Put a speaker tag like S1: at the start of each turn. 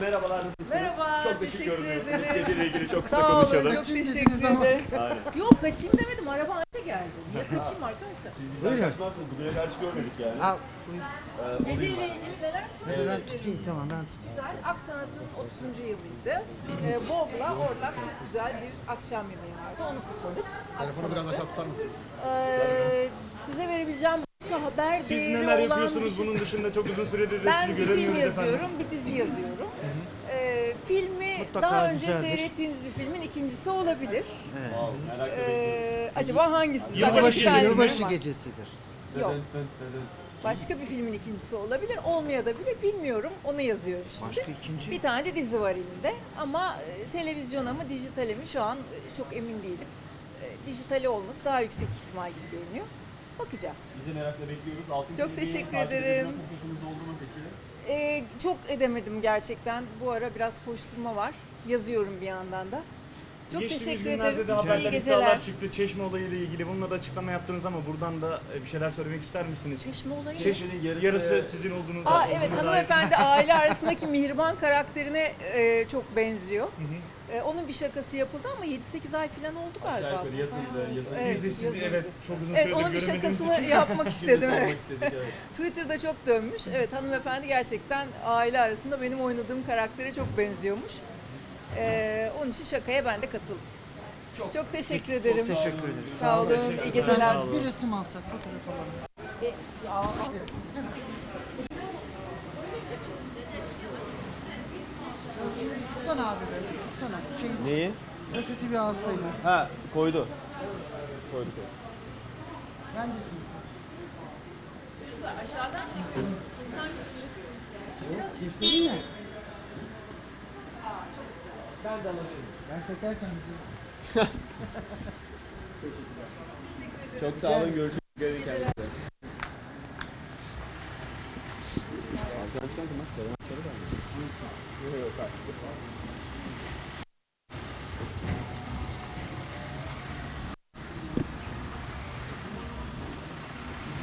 S1: merhabalar, nasılsınız?
S2: Merhaba,
S1: Çok da şık
S2: teşekkür
S1: görünüyorsunuz.
S2: ederim.
S1: Geceyle ilgili çok kısa
S2: Sağ olun,
S1: konuşalım.
S2: çok teşekkür ederim.
S1: Aynen.
S2: Yok kaçayım demedim, araba anca geldi. Niye kaçayım arkadaşlar?
S1: Siz bizden kaçmazsınız. Bugüne kadar hiç görmedik yani.
S3: Al, buyur.
S2: Geceyle ilgili neler
S3: Hadi
S2: söyleyebilirim?
S3: ben tutayım, tamam ben tutayım.
S2: Güzel, Aksanat'ın 30. yılıydı. Bob'la Orlak çok güzel bir akşam yemeği vardı, onu kutladık.
S4: Telefonu biraz aşağı tutar mısınız?
S2: Size verebileceğim başka haber
S5: Siz
S2: değeri
S5: neler
S2: olan
S5: yapıyorsunuz
S2: bir şey.
S5: bunun dışında çok uzun süredir de
S2: Ben
S5: sizi
S2: bir film
S5: göremiyoruz
S2: yazıyorum,
S5: efendim.
S2: bir dizi yazıyorum. Filmi
S3: Mutlaka
S2: daha önce
S3: güzeldir.
S2: seyrettiğiniz bir filmin ikincisi olabilir.
S1: Wow, merak ediyorum.
S2: Acaba hangisi? Zaten
S5: Yılbaşı
S2: iki tane
S5: gecesi
S2: film
S3: Yılbaşı, yılbaşı
S2: var.
S3: gecesidir.
S2: Yok. Başka bir filmin ikincisi olabilir, olmaya da bilir, bilmiyorum. Onu yazıyorum şimdi.
S3: Başka ikinci?
S2: Bir tane de dizi var elimde ama televizyona mı, dijitale mi şu an çok emin değilim. Dijitali olması daha yüksek ihtimal gibi görünüyor. Bakacağız.
S1: Bizi merakla bekliyoruz. Altın
S2: Çok
S1: Kelebeği
S2: teşekkür
S1: takip edebilme
S2: ederim.
S1: fırsatınız oldu mu peki?
S2: Çok edemedim gerçekten. Bu ara biraz koşturma var. Yazıyorum bir yandan da. Çok
S5: Geçtiğimiz
S2: teşekkür
S5: günlerde
S2: ederim.
S5: de
S2: İyi
S5: haberler,
S2: geceler.
S5: iddialar çıktı Çeşme olayıyla ilgili. Bununla da açıklama yaptınız ama buradan da bir şeyler söylemek ister misiniz?
S2: Çeşme olayı mı?
S1: Çeşme'nin
S5: Yarısı sizin olduğunu
S2: Aa evet, hanımefendi aile arasındaki Mihriban karakterine çok benziyor. Onun bir şakası yapıldı ama 7-8 ay falan oldu galiba.
S1: Aşağı yukarı yazıyla.
S2: Evet,
S5: Biz de sizi
S2: yazılı.
S5: evet çok uzun
S2: Evet,
S5: süredir
S2: onun bir
S5: göremediğimiz
S2: şakasını
S5: için.
S2: yapmak istedim.
S1: Sormak
S2: Evet.
S1: istedik, evet.
S2: Twitter'da çok dönmüş. Evet, hanımefendi gerçekten aile arasında benim oynadığım karaktere çok benziyormuş. Onun için şakaya ben de katıldım. Çok teşekkür ederim.
S3: Biz teşekkür ederiz.
S2: Sağ olun, iyi geceler.
S5: Sağ olun.
S3: Bir resim alsak, fotoğraf alalım. Tutsana abi be, tutsana.
S1: Neyi?
S3: Poşeti bir alsaydın.
S1: Ha, koydu. Koydu.
S3: Ben de
S2: Aşağıdan çekiyorsunuz. İnsan kötü çıkıyor.
S3: İstedin ya. Ben çekersen güzel.
S1: Çok sağ olun, görüşürüz. Gelin kendinize. Arkadaş kanka nasıl? Sarı da mı? Yok yok,